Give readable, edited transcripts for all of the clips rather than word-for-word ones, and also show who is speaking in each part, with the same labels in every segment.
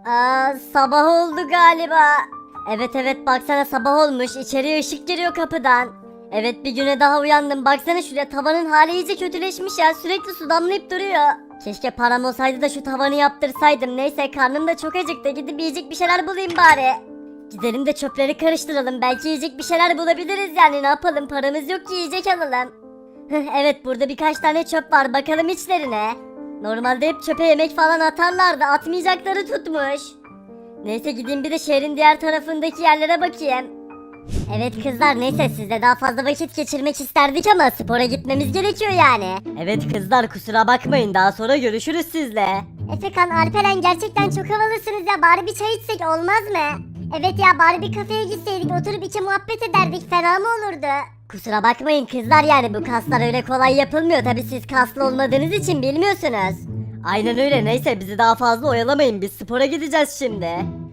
Speaker 1: Sabah oldu galiba. Evet baksana sabah olmuş. İçeriye ışık giriyor kapıdan. Evet bir güne daha uyandım. Baksana şuraya tavanın hali iyice kötüleşmiş ya. Sürekli su damlayıp duruyor. Keşke param olsaydı da şu tavanı yaptırsaydım. Neyse karnım da çok acıktı. Gidip yiyecek bir şeyler bulayım bari. Gidelim de çöpleri karıştıralım. Belki yiyecek bir şeyler bulabiliriz yani. Ne yapalım, paramız yok ki yiyecek alalım. Evet burada birkaç tane çöp var. Bakalım içlerine. Normalde hep çöpe yemek falan atarlardı. Atmayacakları tutmuş. Neyse gideyim bir de şehrin diğer tarafındaki yerlere bakayım. Evet kızlar neyse sizle daha fazla vakit geçirmek isterdik ama spora gitmemiz gerekiyor yani.
Speaker 2: Evet kızlar kusura bakmayın daha sonra görüşürüz sizle.
Speaker 1: Efekan, Alperen gerçekten çok havalısınız ya, bari bir çay içsek olmaz mı? Evet ya, bari bir kafeye gitseydik, oturup iki muhabbet ederdik, fena mı olurdu? Kusura bakmayın kızlar, yani bu kaslar öyle kolay yapılmıyor, tabi siz kaslı olmadığınız için bilmiyorsunuz.
Speaker 2: Aynen öyle, neyse bizi daha fazla oyalamayın, biz spora gideceğiz şimdi.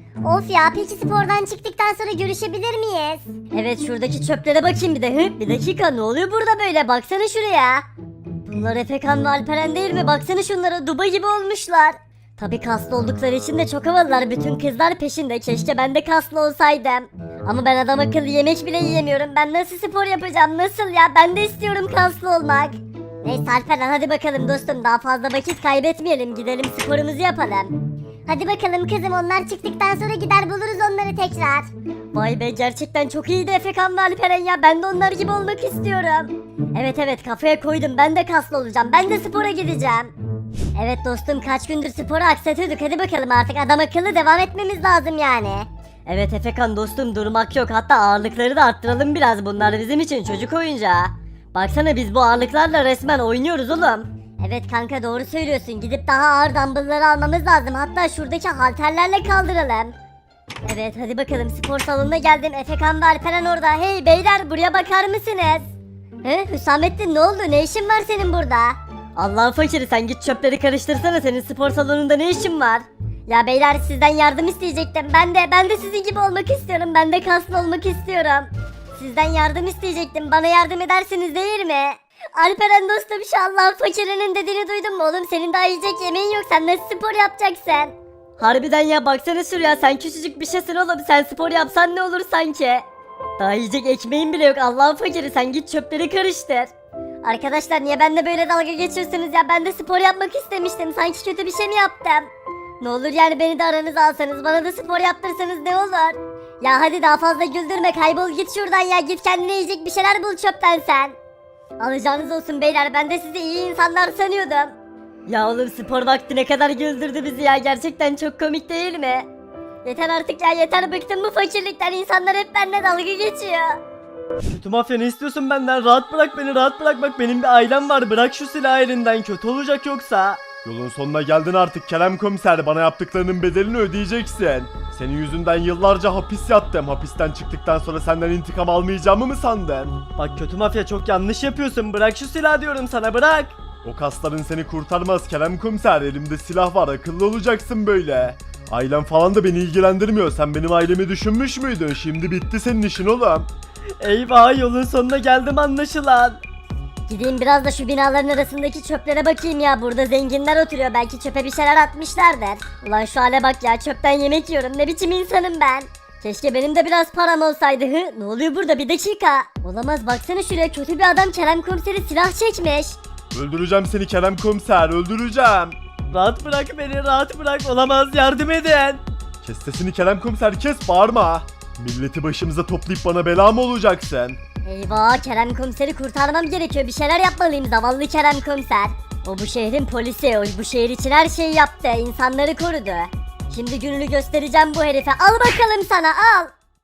Speaker 1: Of ya, peki spordan çıktıktan sonra görüşebilir miyiz? Evet şuradaki çöplere bakayım bir de. Bir dakika, ne oluyor burada böyle, baksana şuraya. Bunlar Efekan ve Alperen değil mi? Baksana şunlara, duba gibi olmuşlar. Tabi kaslı oldukları için de çok havalılar, bütün kızlar peşinde. Keşke ben de kaslı olsaydım. Ama ben adam akıllı yemek bile yiyemiyorum. Ben nasıl spor yapacağım, nasıl ya? Ben de istiyorum kaslı olmak. Neyse Alperen, hadi bakalım dostum, daha fazla vakit kaybetmeyelim, gidelim sporumuzu yapalım. Hadi bakalım kızım, onlar çıktıktan sonra gider buluruz onları tekrar. Vay be, gerçekten çok iyiydi Efekan ve Alperen ya, ben de onlar gibi olmak istiyorum. Evet kafaya koydum, ben de kaslı olacağım, ben de spora gideceğim. Evet dostum, kaç gündür sporu aksatıyorduk, hadi bakalım artık adam akıllı devam etmemiz lazım yani.
Speaker 2: Evet Efekan dostum, durmak yok, hatta ağırlıkları da arttıralım biraz, bunlar bizim için çocuk oyuncağı. Baksana biz bu ağırlıklarla resmen oynuyoruz oğlum.
Speaker 1: Evet kanka, doğru söylüyorsun, gidip daha ağır dumbbellları almamız lazım, hatta şuradaki halterlerle kaldıralım. Evet hadi bakalım, spor salonuna geldim, Efekan ve Alperen orada. Hey beyler, buraya bakar mısınız? Hüsamettin, ne oldu, ne işin var senin burada?
Speaker 2: Allah'ın fakiri, sen git çöpleri karıştırsana, senin spor salonunda ne işin var?
Speaker 1: Ya beyler, sizden yardım isteyecektim, ben de sizin gibi olmak istiyorum, ben de kaslı olmak istiyorum. Sizden yardım isteyecektim, bana yardım edersiniz değil mi? Alperen dostum, şu Allah'ın fakirinin dediğini duydun mu oğlum? Senin daha yiyecek yemeğin yok, sen nasıl spor yapacaksın?
Speaker 2: Harbiden ya, baksana şuraya, sen küçücük bir şeysin oğlum, sen spor yapsan ne olur sanki? Daha yiyecek ekmeğin bile yok, Allah'ın fakiri, sen git çöpleri karıştır.
Speaker 1: Arkadaşlar niye benimle böyle dalga geçiyorsunuz ya? Ben de spor yapmak istemiştim, sanki kötü bir şey mi yaptım? Ne olur yani beni de aranıza alsanız, bana da spor yaptırsanız ne olur? Ya hadi daha fazla güldürme, kaybol git şuradan ya, git kendine yiyecek bir şeyler bul çöpten sen. Alacağınız olsun beyler, ben de sizi iyi insanlar sanıyordum.
Speaker 2: Ya oğlum, spor vakti ne kadar güldürdü bizi ya, gerçekten çok komik değil mi?
Speaker 1: Yeter artık ya, yeter, bıktım bu fakirlikten, insanlar hep benimle dalga geçiyor.
Speaker 3: Kötü mafya, ne istiyorsun benden? Rahat bırak beni, rahat bırak, bak benim bir ailem var, bırak şu silahı elinden, kötü olacak yoksa. Yolun sonuna geldin artık Kerem Komiser, bana yaptıklarının bedelini ödeyeceksin. Senin yüzünden yıllarca hapis yattım, hapisten çıktıktan sonra senden intikam almayacağımı mı sandın? Bak kötü mafya, çok yanlış yapıyorsun, bırak şu silahı diyorum sana, bırak. O kasların seni kurtarmaz Kerem Komiser, elimde silah var, akıllı olacaksın böyle. Ailem falan da beni ilgilendirmiyor, sen benim ailemi düşünmüş müydün? Şimdi bitti senin işin oğlum. Eyvah, yolun sonuna geldim anlaşılan.
Speaker 1: Gideyim biraz da şu binaların arasındaki çöplere bakayım ya, burada zenginler oturuyor, belki çöpe bir şeyler atmışlardır. Ulan şu hale bak ya, çöpten yemek yiyorum, ne biçim insanım ben. Keşke benim de biraz param olsaydı. Ne oluyor burada, bir dakika. Olamaz, baksana şuraya, kötü bir adam Kerem Komiser'i silah çekmiş.
Speaker 3: Öldüreceğim seni Kerem Komiser, öldüreceğim. Rahat bırak beni, rahat bırak, olamaz, yardım edin. Kes sesini Kerem Komiser, kes, bağırma. Milleti başımıza toplayıp bana bela mı olacaksın?
Speaker 1: Eyvah, Kerem Komiser'i kurtarmam gerekiyor, bir şeyler yapmalıyım, zavallı Kerem Komiser. O bu şehrin polisi, o bu şehir için her şeyi yaptı, insanları korudu. Şimdi gününü göstereceğim bu herife, al bakalım sana, al.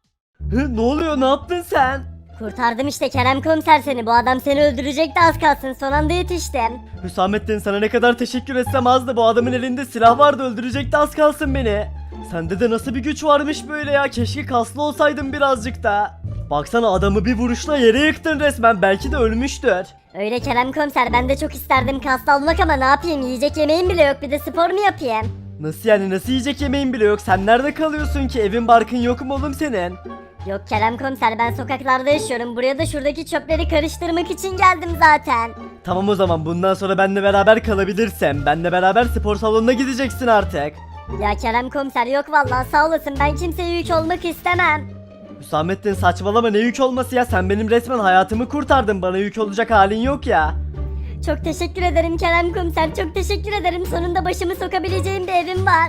Speaker 3: Ne oluyor, ne yaptın sen?
Speaker 1: Kurtardım işte Kerem Komiser seni, bu adam seni öldürecekti az kalsın, son anda yetiştim.
Speaker 3: Hüsamettin, sana ne kadar teşekkür etsem azdı, bu adamın elinde silah vardı, öldürecekti az kalsın beni. Sende de nasıl bir güç varmış böyle ya, keşke kaslı olsaydın birazcık da. Baksana, adamı bir vuruşla yere yıktın resmen, belki de ölmüştür.
Speaker 1: Öyle Kerem Komiser, ben de çok isterdim kaslı olmak ama ne yapayım, yiyecek yemeğim bile yok, bir de spor mu yapayım?
Speaker 3: Nasıl yani, nasıl yiyecek yemeğin bile yok, sen nerede kalıyorsun ki, evin barkın yok mu oğlum senin?
Speaker 1: Yok Kerem Komiser, ben sokaklarda yaşıyorum, buraya da şuradaki çöpleri karıştırmak için geldim zaten.
Speaker 3: Tamam o zaman, bundan sonra benimle beraber kalabilirsin, benimle beraber spor salonuna gideceksin artık.
Speaker 1: Ya Kerem komiser yok vallahi sağ olasın ben kimseye yük olmak istemem.
Speaker 3: Hüsamettin saçmalama, ne yük olması ya, sen benim resmen hayatımı kurtardın, bana yük olacak halin yok ya.
Speaker 1: Çok teşekkür ederim Kerem komiser çok teşekkür ederim sonunda başımı sokabileceğim bir evim var.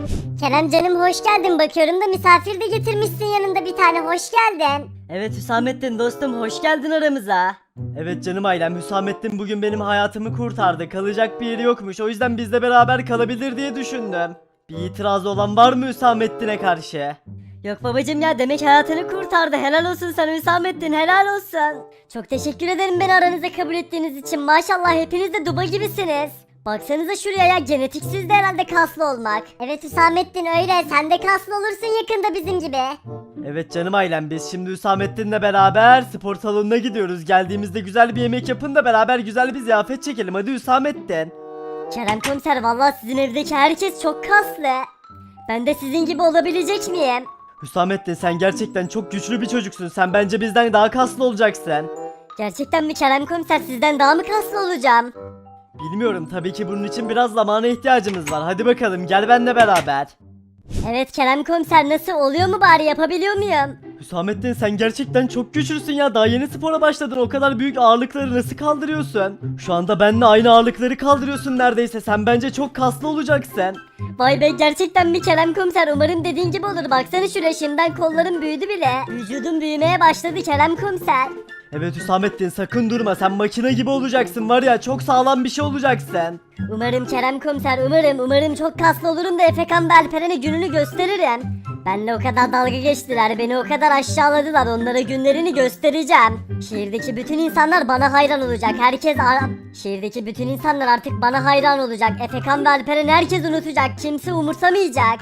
Speaker 1: Kerem canım hoş geldin bakıyorum da misafir de getirmişsin yanında bir tane hoş geldin.
Speaker 2: Evet Hüsamettin dostum hoş geldin aramıza.
Speaker 3: Evet canım ailem, Hüsamettin bugün benim hayatımı kurtardı, kalacak bir yeri yokmuş, o yüzden bizle beraber kalabilir diye düşündüm. Bir itirazı olan var mı Hüsamettin'e karşı?
Speaker 2: Yok babacım ya demek hayatını kurtardı. Helal olsun sana Hüsamettin helal olsun.
Speaker 1: Çok teşekkür ederim beni aranıza kabul ettiğiniz için maşallah hepiniz de duba gibisiniz. Baksanıza şuraya ya genetiksiz de herhalde kaslı olmak. Evet Hüsamettin öyle sen de kaslı olursun yakında bizim gibi.
Speaker 3: Evet canım ailem, biz şimdi Hüsamettin'le beraber spor salonuna gidiyoruz. Geldiğimizde güzel bir yemek yapın da beraber güzel bir ziyafet çekelim, hadi Hüsamettin.
Speaker 1: Kerem komiser vallahi sizin evdeki herkes çok kaslı. Ben de sizin gibi olabilecek miyim?
Speaker 3: Hüsamettin sen gerçekten çok güçlü bir çocuksun, sen bence bizden daha kaslı olacaksın.
Speaker 1: Gerçekten mi Kerem komiser sizden daha mı kaslı olacağım?
Speaker 3: Bilmiyorum, tabii ki bunun için biraz zamana ihtiyacımız var, hadi bakalım gel benimle beraber.
Speaker 1: Evet Kerem komiser nasıl oluyor mu bari yapabiliyor muyum?
Speaker 3: Hüsamettin sen gerçekten çok güçlüsün ya, daha yeni spora başladın, o kadar büyük ağırlıkları nasıl kaldırıyorsun? Şu anda benimle aynı ağırlıkları kaldırıyorsun neredeyse, sen bence çok kaslı olacaksın.
Speaker 1: Vay be gerçekten mi Kerem komiser umarım dediğin gibi olur baksana şuraya şimdiden kollarım büyüdü bile. Vücudum büyümeye başladı Kerem komiser.
Speaker 3: Evet Hüsamettin sakın durma, sen makine gibi olacaksın var ya, çok sağlam bir şey olacaksın.
Speaker 1: Umarım Kerem komiser umarım çok kaslı olurum da Efekan ve Alperen'e gününü gösteririm. Benle o kadar dalga geçtiler beni o kadar aşağıladılar onlara günlerini göstereceğim. Şehirdeki bütün insanlar bana hayran olacak Şehirdeki bütün insanlar artık bana hayran olacak. Efekan ve Alperen herkes unutacak kimse umursamayacak.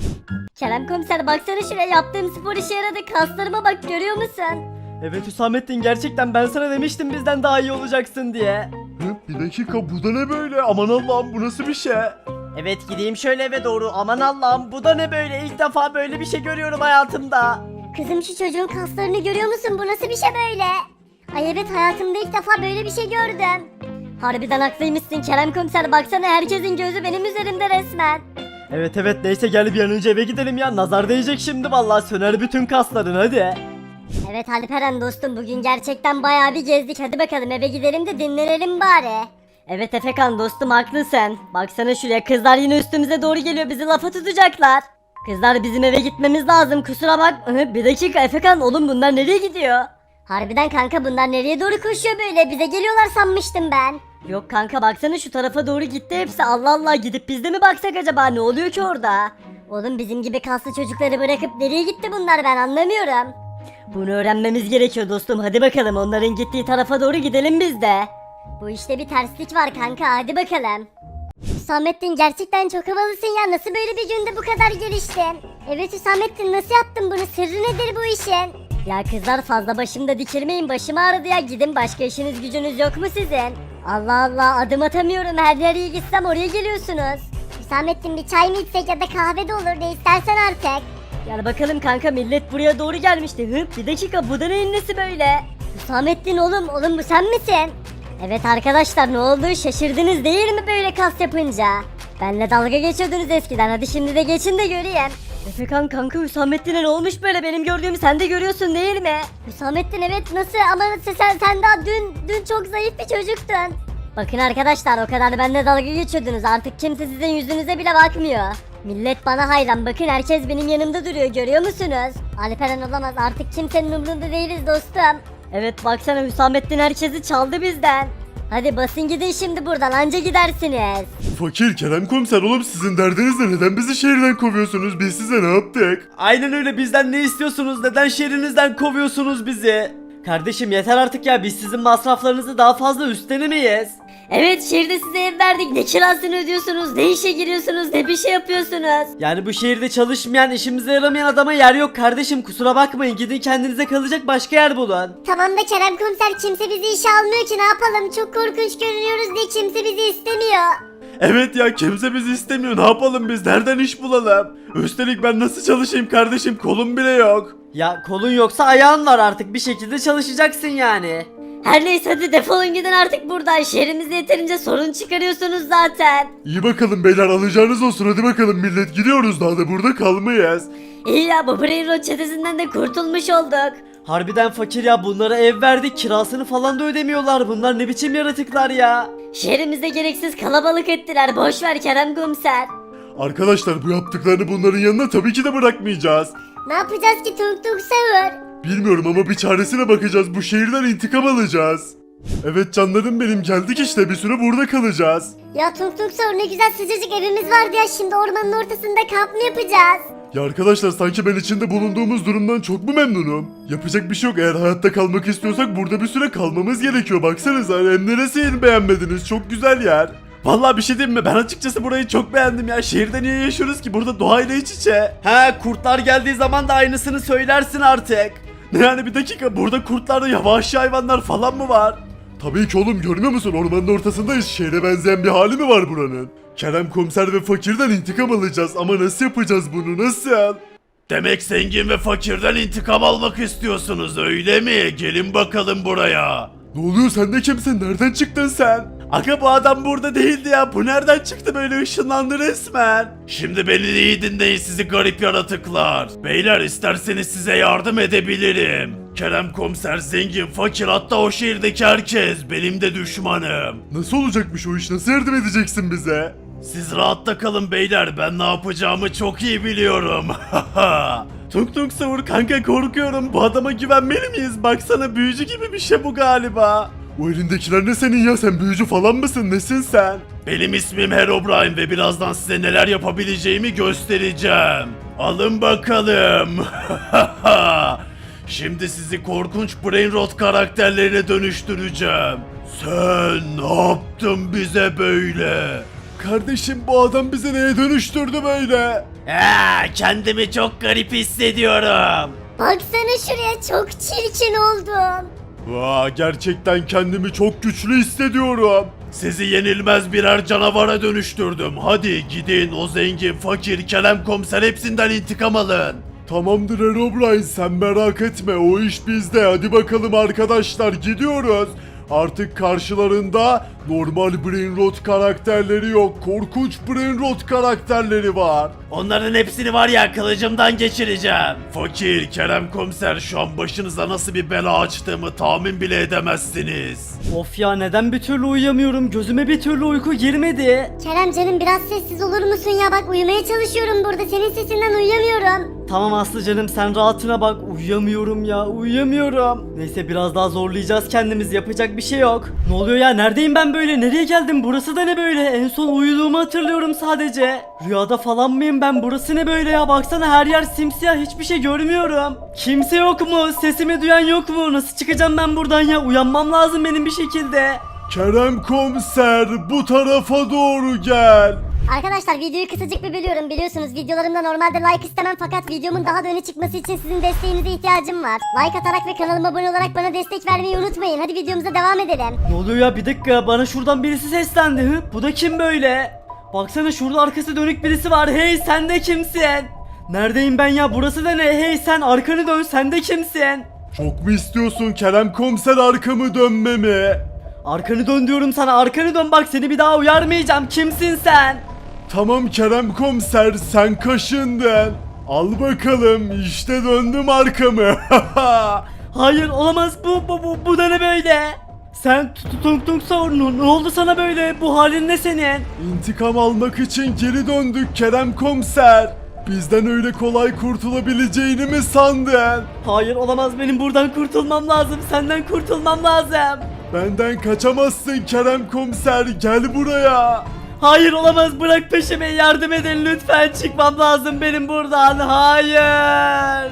Speaker 1: Kerem komiser baksana şuraya yaptığım spor işe yaradı kaslarıma bak görüyor musun?
Speaker 3: Evet Hüsamettin gerçekten ben sana demiştim bizden daha iyi olacaksın diye.
Speaker 4: Bir dakika, bu da ne böyle? Aman Allah'ım, bu nasıl bir şey?
Speaker 3: Evet gideyim şöyle eve doğru, aman Allah'ım bu da ne böyle, ilk defa böyle bir şey görüyorum hayatımda.
Speaker 1: Kızım şu çocuğun kaslarını görüyor musun? Bu nasıl bir şey böyle? Ay evet hayatımda ilk defa böyle bir şey gördüm. Harbiden haklıymışsın Kerem komiser baksana herkesin gözü benim üzerimde resmen.
Speaker 3: Evet neyse gel bir an önce eve gidelim ya, nazar değecek şimdi vallahi, söner bütün kasların hadi.
Speaker 1: Evet Alperen dostum bugün gerçekten bayağı bir gezdik hadi bakalım eve gidelim de dinlenelim bari.
Speaker 2: Evet Efekan dostum haklısın. Baksana şuraya kızlar yine üstümüze doğru geliyor bizi lafa tutacaklar. Kızlar bizim eve gitmemiz lazım kusura bak. Bir dakika Efekan oğlum bunlar nereye gidiyor?
Speaker 1: Harbiden kanka bunlar nereye doğru koşuyor böyle bize geliyorlar sanmıştım ben.
Speaker 2: Yok kanka baksana şu tarafa doğru gitti hepsi Allah Allah gidip biz de mi baksak acaba ne oluyor ki orada?
Speaker 1: Oğlum bizim gibi kaslı çocukları bırakıp nereye gitti bunlar ben anlamıyorum.
Speaker 2: Bunu öğrenmemiz gerekiyor dostum hadi bakalım onların gittiği tarafa doğru gidelim biz de.
Speaker 1: Bu işte bir terslik var kanka hadi bakalım. Hüsamettin gerçekten çok havalısın ya nasıl böyle bir günde bu kadar geliştin? Evet Hüsamettin nasıl yaptın bunu sırrı nedir bu işin? Ya kızlar fazla başımda dikilmeyin başım ağrıdı ya gidin başka işiniz gücünüz yok mu sizin? Allah Allah adım atamıyorum her nereye gitsem oraya geliyorsunuz. Hüsamettin bir çay mı içsek ya da kahve de olur ne istersen artık.
Speaker 2: Gel bakalım kanka millet buraya doğru gelmişti. Bir dakika bu da neyin nesi böyle?
Speaker 1: Hüsamettin oğlum bu sen misin? Evet arkadaşlar ne oldu şaşırdınız değil mi böyle kas yapınca? Benle dalga geçiyordunuz eskiden hadi şimdi de geçin de göreyim.
Speaker 2: Efekan kanka Hüsamettin'e ne olmuş böyle benim gördüğümü sen de görüyorsun değil mi?
Speaker 1: Hüsamettin evet nasıl ama sen daha dün çok zayıf bir çocuktun. Bakın arkadaşlar o kadar benimle dalga geçiyordunuz artık kimse sizin yüzünüze bile bakmıyor. Millet bana hayran bakın herkes benim yanımda duruyor görüyor musunuz? Alperen olamaz artık kimsenin umrunda değiliz dostum.
Speaker 2: Evet baksana Hüsamettin herkesi çaldı bizden.
Speaker 1: Hadi basın gidin şimdi buradan anca gidersiniz.
Speaker 4: Fakir Kerem komiser, oğlum sizin derdiniz ne? Neden bizi şehirden kovuyorsunuz? Biz size ne yaptık?
Speaker 3: Aynen öyle, bizden ne istiyorsunuz, neden şehrinizden kovuyorsunuz bizi? Kardeşim yeter artık ya, biz sizin masraflarınızı daha fazla üstlenemeyiz.
Speaker 1: Evet şehirde size ev verdik ne kirasını ödüyorsunuz ne işe giriyorsunuz ne bir şey yapıyorsunuz.
Speaker 3: Yani bu şehirde çalışmayan, işimize yaramayan adama yer yok kardeşim, kusura bakmayın, gidin kendinize kalacak başka yer bulun.
Speaker 1: Tamam da Kerem komiser kimse bizi işe almıyor ki ne yapalım çok korkunç görünüyoruz diye kimse bizi istemiyor.
Speaker 4: Evet ya, kimse bizi istemiyor, ne yapalım biz, nereden iş bulalım? Üstelik ben nasıl çalışayım kardeşim, kolum bile yok.
Speaker 3: Ya kolun yoksa ayağın var, artık bir şekilde çalışacaksın yani.
Speaker 1: Her neyse hadi defolun gidin artık buradan. Şehrimizde yeterince sorun çıkarıyorsunuz zaten.
Speaker 4: İyi bakalım beyler, alacağınız olsun, hadi bakalım millet, gidiyoruz, daha da burada kalmayız.
Speaker 1: İyi ya, bu Brain Rot çetesinden de kurtulmuş olduk.
Speaker 2: Harbiden fakir ya, bunlara ev verdik, kirasını falan da ödemiyorlar. Bunlar ne biçim yaratıklar ya.
Speaker 1: Şehrimizde gereksiz kalabalık ettiler. Boş ver Kerem Komiser.
Speaker 4: Arkadaşlar bu yaptıklarını bunların yanına tabii ki de bırakmayacağız.
Speaker 1: Ne yapacağız ki Tung Tung Sahur?
Speaker 4: Bilmiyorum ama bir çaresine bakacağız, bu şehirden intikam alacağız. Evet canlarım benim, geldik işte, bir süre burada kalacağız.
Speaker 1: Ya Tung Tung Sahur, ne güzel sıcacık evimiz vardı ya, şimdi ormanın ortasında kamp mı yapacağız?
Speaker 4: Ya arkadaşlar sanki ben içinde bulunduğumuz durumdan çok mu memnunum? Yapacak bir şey yok, eğer hayatta kalmak istiyorsak burada bir süre kalmamız gerekiyor, baksanıza hem neresini beğenmediniz, çok güzel yer. Vallahi bir şey diyeyim mi, ben açıkçası burayı çok beğendim ya, şehirde niye yaşıyoruz ki, burada doğayla iç içe.
Speaker 3: He, kurtlar geldiği zaman da aynısını söylersin artık.
Speaker 4: Ne yani, bir dakika, burada kurtlarda yavaşçı hayvanlar falan mı var? Tabii ki oğlum, görmüyor musun, ormanın ortasındayız, şehre benzeyen bir hali mi var buranın? Kerem Komiser ve Fakir'den intikam alacağız ama nasıl yapacağız bunu, nasıl? Demek zengin ve fakirden intikam almak istiyorsunuz öyle mi? Gelin bakalım buraya. Ne oluyor, sen de kimsin, nereden çıktın sen?
Speaker 3: Aga bu adam burada değildi ya, bu nereden çıktı, böyle ışınlandı resmen.
Speaker 4: Şimdi beni iyi dinleyin sizi garip yaratıklar. Beyler isterseniz size yardım edebilirim. Kerem Komiser, zengin, fakir, hatta o şehirdeki herkes benim de düşmanım. Nasıl olacakmış o iş, nasıl yardım edeceksin bize? Siz rahatta kalın beyler, ben ne yapacağımı çok iyi biliyorum.
Speaker 3: Tung Tung Sahur kanka, korkuyorum, bu adama güvenmeli miyiz? Baksana, büyücü gibi bir şey bu galiba.
Speaker 4: O elindekiler ne senin ya, sen büyücü falan mısın, nesin sen? Benim ismim Herobrine ve birazdan size neler yapabileceğimi göstereceğim. Alın bakalım. Şimdi sizi korkunç Brain Rot karakterlerine dönüştüreceğim. Sen ne yaptın bize böyle? Kardeşim bu adam bizi neye dönüştürdü böyle?
Speaker 3: Kendimi çok garip hissediyorum.
Speaker 1: Baksana şuraya, çok çirkin oldum.
Speaker 4: Gerçekten kendimi çok güçlü hissediyorum. Sizi yenilmez birer canavara dönüştürdüm. Hadi gidin, o zengin, fakir, Kerem Komiser hepsinden intikam alın. Tamamdır Herobrine, sen merak etme, o iş bizde. Hadi bakalım arkadaşlar, gidiyoruz. Artık karşılarında normal Brain Rot karakterleri yok, korkunç Brain Rot karakterleri var.
Speaker 3: Onların hepsini var ya, kılıcımdan geçireceğim.
Speaker 4: Fakir, Kerem Komiser, şu an başınıza nasıl bir bela açtığımı tahmin bile edemezsiniz.
Speaker 2: Of ya, neden bir türlü uyuyamıyorum, gözüme bir türlü uyku girmedi.
Speaker 1: Kerem canım, biraz sessiz olur musun ya, bak uyumaya çalışıyorum burada, senin sesinden uyuyamıyorum.
Speaker 2: Tamam Aslı canım, sen rahatına bak, uyuyamıyorum ya, uyuyamıyorum. Neyse biraz daha zorlayacağız kendimizi, yapacak bir şey yok. Ne oluyor ya, neredeyim ben böyle, nereye geldim, burası da ne böyle, en son uyuduğumu hatırlıyorum sadece. Rüyada falan mıyım ben, burası ne böyle ya, baksana her yer simsiyah, hiçbir şey görmüyorum. Kimse yok mu, sesimi duyan yok mu, nasıl çıkacağım ben buradan ya, uyanmam lazım benim bir şekilde.
Speaker 4: Kerem Komiser, bu tarafa doğru gel.
Speaker 1: Arkadaşlar videoyu kısacık bir bölüyorum, biliyorsunuz videolarımda normalde like istemem, fakat videomun daha da öne çıkması için sizin desteğinize ihtiyacım var. Like atarak ve kanalıma abone olarak bana destek vermeyi unutmayın. Hadi videomuza devam edelim.
Speaker 2: Ne oluyor ya, bir dakika, bana şuradan birisi seslendi. Bu da kim böyle? Baksana şurada arkası dönük birisi var. Hey, sen de kimsin? Neredeyim ben ya, burası da ne? Hey sen, arkanı dön, sen de kimsin?
Speaker 4: Çok mu istiyorsun Kerem Komiser arkamı dönmemi?
Speaker 2: Arkanı dön diyorum sana, arkanı dön, bak seni bir daha uyarmayacağım, kimsin sen?
Speaker 4: Tamam Kerem Komiser, sen kaşındın. Al bakalım, işte döndüm arkamı.
Speaker 2: Hayır olamaz, bu da ne böyle? Sen Tung Tung Sahur, ne oldu sana böyle, bu halin ne senin?
Speaker 4: İntikam almak için geri döndük Kerem Komiser. Bizden öyle kolay kurtulabileceğini mi sandın?
Speaker 2: Hayır olamaz, benim buradan kurtulmam lazım, senden kurtulmam lazım.
Speaker 4: Benden kaçamazsın Kerem Komiser, gel buraya.
Speaker 2: Hayır olamaz, bırak peşimi, yardım edin lütfen, çıkmam lazım benim buradan, hayır.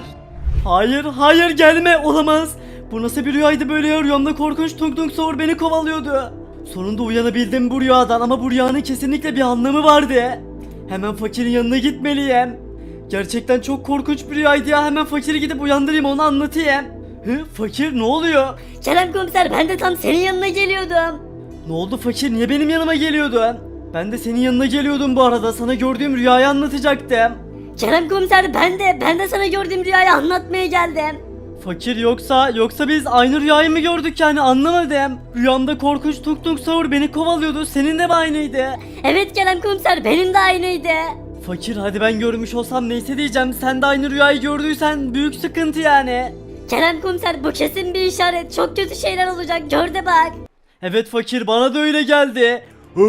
Speaker 2: Hayır gelme, olamaz. Bu nasıl bir rüyaydı böyle ya, rüyamda korkunç Tung Tung Sahur beni kovalıyordu. Sonunda uyanabildim bu rüyadan ama bu rüyanın kesinlikle bir anlamı vardı. Hemen fakirin yanına gitmeliyim. Gerçekten çok korkunç bir rüyaydı ya, hemen fakiri gidip uyandırayım, onu anlatayım. Fakir, ne oluyor?
Speaker 1: Kerem Komiser, ben de tam senin yanına geliyordum.
Speaker 2: Ne oldu fakir, niye benim yanıma geliyordun? Ben de senin yanına geliyordum bu arada, sana gördüğüm rüyayı anlatacaktım.
Speaker 1: Kerem Komiser, ben de sana gördüğüm rüyayı anlatmaya geldim.
Speaker 2: Fakir yoksa biz aynı rüyayı mı gördük yani anlamadım. Rüyamda korkunç Tung Tung Sahur beni kovalıyordu. Senin de mi aynıydı?
Speaker 1: Evet Kerem komiser benim de aynıydı.
Speaker 2: Fakir hadi ben görmüş olsam neyse diyeceğim. Sen de aynı rüyayı gördüysen büyük sıkıntı yani.
Speaker 1: Kerem komiser bu kesin bir işaret. Çok kötü şeyler olacak gör de bak.
Speaker 2: Evet fakir bana da öyle geldi.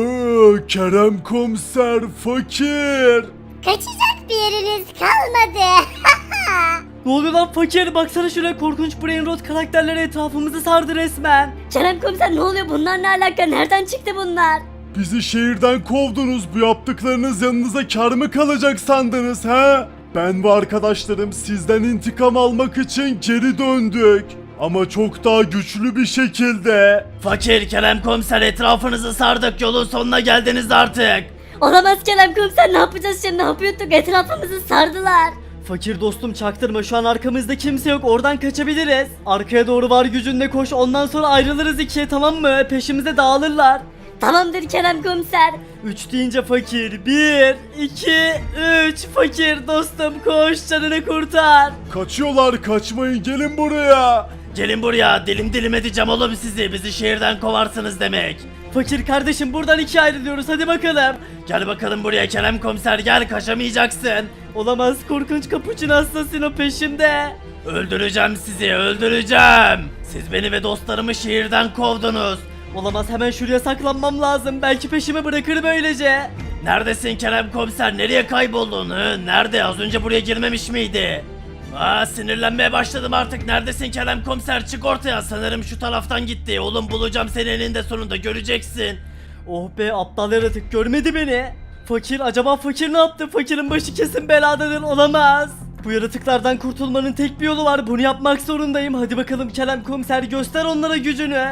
Speaker 3: Kerem komiser fakir.
Speaker 1: Kaçacak bir yeriniz kalmadı.
Speaker 2: Ne oluyor lan fakir? Baksana şuraya korkunç Brain Rot karakterleri etrafımızı sardı resmen.
Speaker 1: Kerem komiser ne oluyor bunlar ne alaka nereden çıktı bunlar?
Speaker 3: Bizi şehirden kovdunuz. Bu yaptıklarınız yanınıza kar mı kalacak sandınız ha? Ben ve arkadaşlarım sizden intikam almak için geri döndük. Ama çok daha güçlü bir şekilde.
Speaker 4: Fakir Kerem komiser etrafınızı sardık yolun sonuna geldiniz artık.
Speaker 1: Olamaz Kerem komiser ne yapacağız şimdi ne yapıyorduk etrafımızı sardılar.
Speaker 2: Fakir dostum çaktırma şu an arkamızda kimse yok oradan kaçabiliriz. Arkaya doğru var gücünle koş ondan sonra ayrılırız ikiye tamam mı? Peşimize dağılırlar.
Speaker 1: Tamamdır Kerem komiser.
Speaker 2: 3 deyince fakir 1, 2, 3 fakir dostum koş canını kurtar.
Speaker 3: Kaçıyorlar, kaçmayın, gelin buraya.
Speaker 4: Gelin buraya dilim dilim edeceğim oğlum sizi bizi şehirden kovarsınız demek.
Speaker 2: Fakir kardeşim buradan ikiye ayrılıyoruz hadi bakalım.
Speaker 4: Gel bakalım buraya Kerem komiser gel kaçamayacaksın.
Speaker 2: Olamaz korkunç Capuchin Assassino peşimde.
Speaker 4: Öldüreceğim sizi öldüreceğim. Siz beni ve dostlarımı şehirden kovdunuz.
Speaker 2: Olamaz hemen şuraya saklanmam lazım belki peşimi bırakır böylece.
Speaker 4: Neredesin Kerem komiser nereye kayboldun? Nerede az önce buraya girmemiş miydi? Sinirlenmeye başladım artık. Neredesin Kerem komiser? Çık ortaya. Sanırım şu taraftan gitti. Oğlum bulacağım seni eninde sonunda göreceksin.
Speaker 2: Oh be aptal yaratık görmedi beni. Fakir acaba fakir ne yaptı? Fakirin başı kesin beladadır olamaz. Bu yaratıklardan kurtulmanın tek bir yolu var. Bunu yapmak zorundayım. Hadi bakalım Kerem komiser göster onlara gücünü.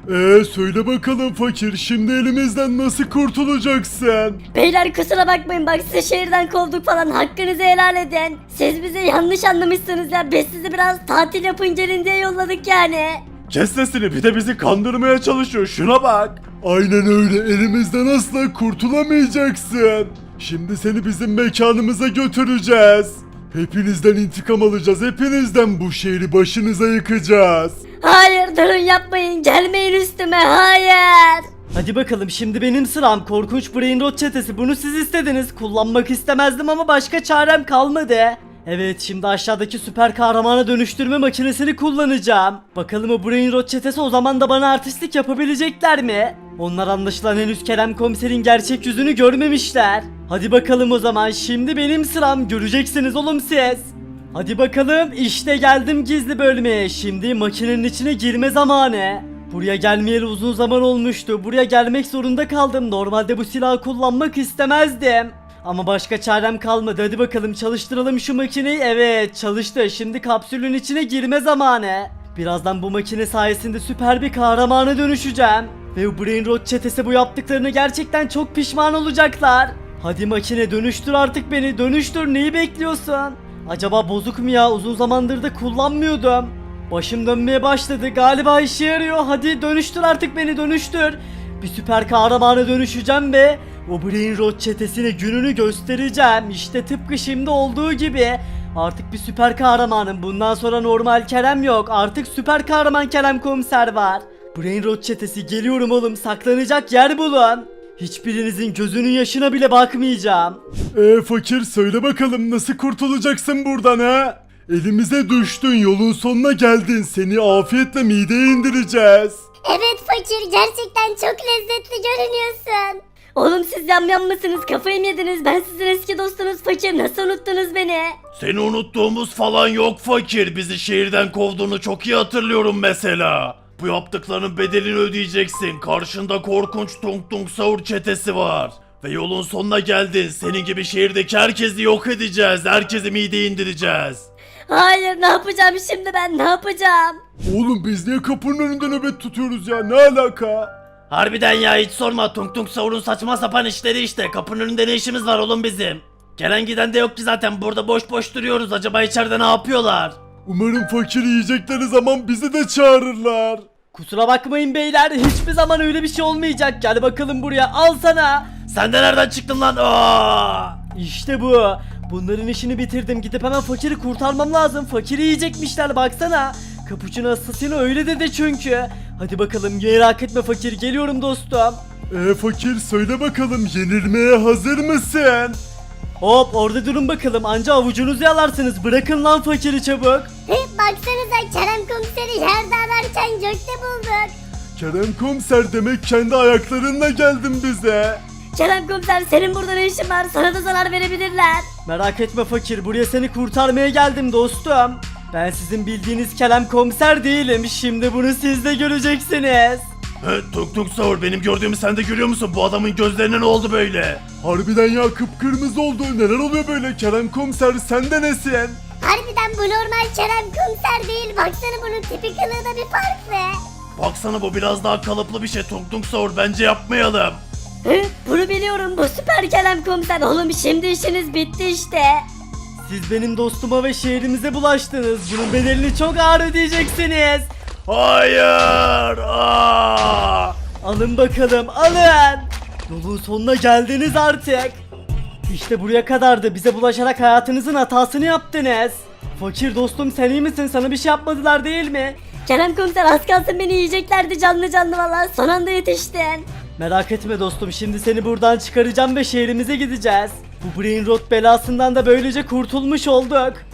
Speaker 3: Söyle bakalım fakir, şimdi elimizden nasıl kurtulacaksın?
Speaker 1: Beyler kusura bakmayın bak sizi şehirden kovduk falan hakkınızı helal edin. Siz bizi yanlış anlamışsınız ya biz sizi biraz tatil yapın gelin diye yolladık yani.
Speaker 3: Kes sesini, bir de bizi kandırmaya çalışıyor, şuna bak. Aynen öyle, elimizden asla kurtulamayacaksın. Şimdi seni bizim mekanımıza götüreceğiz. Hepinizden intikam alacağız, hepinizden bu şehri başınıza yıkacağız.
Speaker 1: Hayır durun yapmayın gelmeyin üstüme hayır.
Speaker 2: Hadi bakalım şimdi benim sıram. Korkunç Brain Rot çetesi bunu siz istediniz. Kullanmak istemezdim ama başka çarem kalmadı. Evet şimdi aşağıdaki süper kahramana dönüştürme makinesini kullanacağım. Bakalım o Brain Rot çetesi o zaman da bana artistlik yapabilecekler mi? Onlar anlaşılan henüz Kerem komiserin gerçek yüzünü görmemişler. Hadi bakalım o zaman şimdi benim sıram göreceksiniz oğlum siz. Hadi bakalım işte geldim gizli bölmeye. Şimdi makinenin içine girme zamanı. Buraya gelmeyeli uzun zaman olmuştu. Buraya gelmek zorunda kaldım. Normalde bu silahı kullanmak istemezdim. Ama başka çarem kalmadı. Hadi bakalım çalıştıralım şu makineyi. Evet çalıştı. Şimdi kapsülün içine girme zamanı. Birazdan bu makine sayesinde süper bir kahramana dönüşeceğim. Ve bu Brain Rot çetesi bu yaptıklarını gerçekten çok pişman olacaklar. Hadi makine dönüştür artık beni. Dönüştür neyi bekliyorsun? Acaba bozuk mu ya? Uzun zamandır da kullanmıyordum. Başım dönmeye başladı. Galiba işe yarıyor. Hadi dönüştür artık beni dönüştür. Bir süper kahramana dönüşeceğim ve o Brain Rot çetesine gününü göstereceğim. İşte tıpkı şimdi olduğu gibi. Artık bir süper kahramanım. Bundan sonra normal Kerem yok. Artık süper kahraman Kerem komiser var. Brain Rot çetesi geliyorum oğlum. Saklanacak yer bulun. Hiçbirinizin gözünün yaşına bile bakmayacağım.
Speaker 3: Fakir söyle bakalım nasıl kurtulacaksın buradan ha? Elimize düştün, yolun sonuna geldin, seni afiyetle mideye indireceğiz.
Speaker 1: Evet fakir gerçekten çok lezzetli görünüyorsun. Oğlum siz yamyam mısınız kafayı mı yediniz ben sizin eski dostunuz fakir nasıl unuttunuz beni?
Speaker 4: Seni unuttuğumuz falan yok fakir. Bizi şehirden kovduğunu çok iyi hatırlıyorum mesela. Bu yaptıklarının bedelini ödeyeceksin. Karşında korkunç Tung Tung Sahur çetesi var. Ve yolun sonuna geldin. Senin gibi şehirdeki herkesi yok edeceğiz. Herkesi mideye indireceğiz.
Speaker 1: Hayır ne yapacağım şimdi ben ne yapacağım?
Speaker 3: Oğlum biz niye kapının önünde nöbet tutuyoruz ya, ne alaka?
Speaker 4: Harbiden ya hiç sorma. Tung Tung Sahur'un saçma sapan işleri işte. Kapının önünde ne işimiz var oğlum bizim? Gelen giden de yok ki zaten. Burada boş boş duruyoruz. Acaba içeride ne yapıyorlar?
Speaker 3: Umarım fakir yiyecekleri zaman bizi de çağırırlar.
Speaker 2: Kusura bakmayın beyler. Hiçbir zaman öyle bir şey olmayacak. Gel bakalım buraya. Al sana.
Speaker 4: Sen de nereden çıktın lan?
Speaker 2: İşte bu. Bunların işini bitirdim. Gidip hemen fakiri kurtarmam lazım. Fakiri yiyecekmişler baksana. Capuchino Assassino öyle dedi çünkü. Hadi bakalım merak etme fakir, geliyorum dostum.
Speaker 3: Fakir söyle bakalım yenilmeye hazır mısın?
Speaker 2: Hop orada durun bakalım, anca avucunuzu yalarsınız. Bırakın lan fakiri çabuk.
Speaker 1: Baksanıza Kerem komiseri yerde ararken gökte bulduk.
Speaker 3: Kerem komiser demek kendi ayaklarınla geldin bize.
Speaker 1: Kerem komiser senin burada ne işin var? Sana da zarar verebilirler.
Speaker 2: Merak etme fakir, buraya seni kurtarmaya geldim dostum. Ben sizin bildiğiniz Kerem komiser değilim. Şimdi bunu siz de göreceksiniz.
Speaker 4: Tuk Tuk Sahur, benim gördüğümü sen de görüyor musun? Bu adamın gözlerine ne oldu böyle?
Speaker 3: Harbiden ya, kıpkırmızı oldu. Neler oluyor böyle Kerem komiser, sen de nesin?
Speaker 1: Harbiden bu normal Kerem komiser değil. Baksana bunun tipi kılığında bir farklı.
Speaker 4: Baksana, bu biraz daha kalıplı bir şey. Tuk Tuk Sahur, bence yapmayalım.
Speaker 1: Bunu biliyorum, bu süper Kerem komiser. Oğlum şimdi işiniz bitti işte.
Speaker 2: Siz benim dostuma ve şehrimize bulaştınız. Bunun bedelini çok ağır ödeyeceksiniz.
Speaker 4: Hayır!
Speaker 2: Alın bakalım, alın. Yolun sonuna geldiniz artık. İşte buraya kadardı. Bize bulaşarak hayatınızın hatasını yaptınız. Fakir dostum, sen iyi misin? Sana bir şey yapmadılar değil mi?
Speaker 1: Kerem komiser az kalsın beni yiyeceklerdi canlı canlı valla. Son anda yetiştin.
Speaker 2: Merak etme dostum, şimdi seni buradan çıkaracağım ve şehrimize gideceğiz. Bu Brain Rot belasından da böylece kurtulmuş olduk.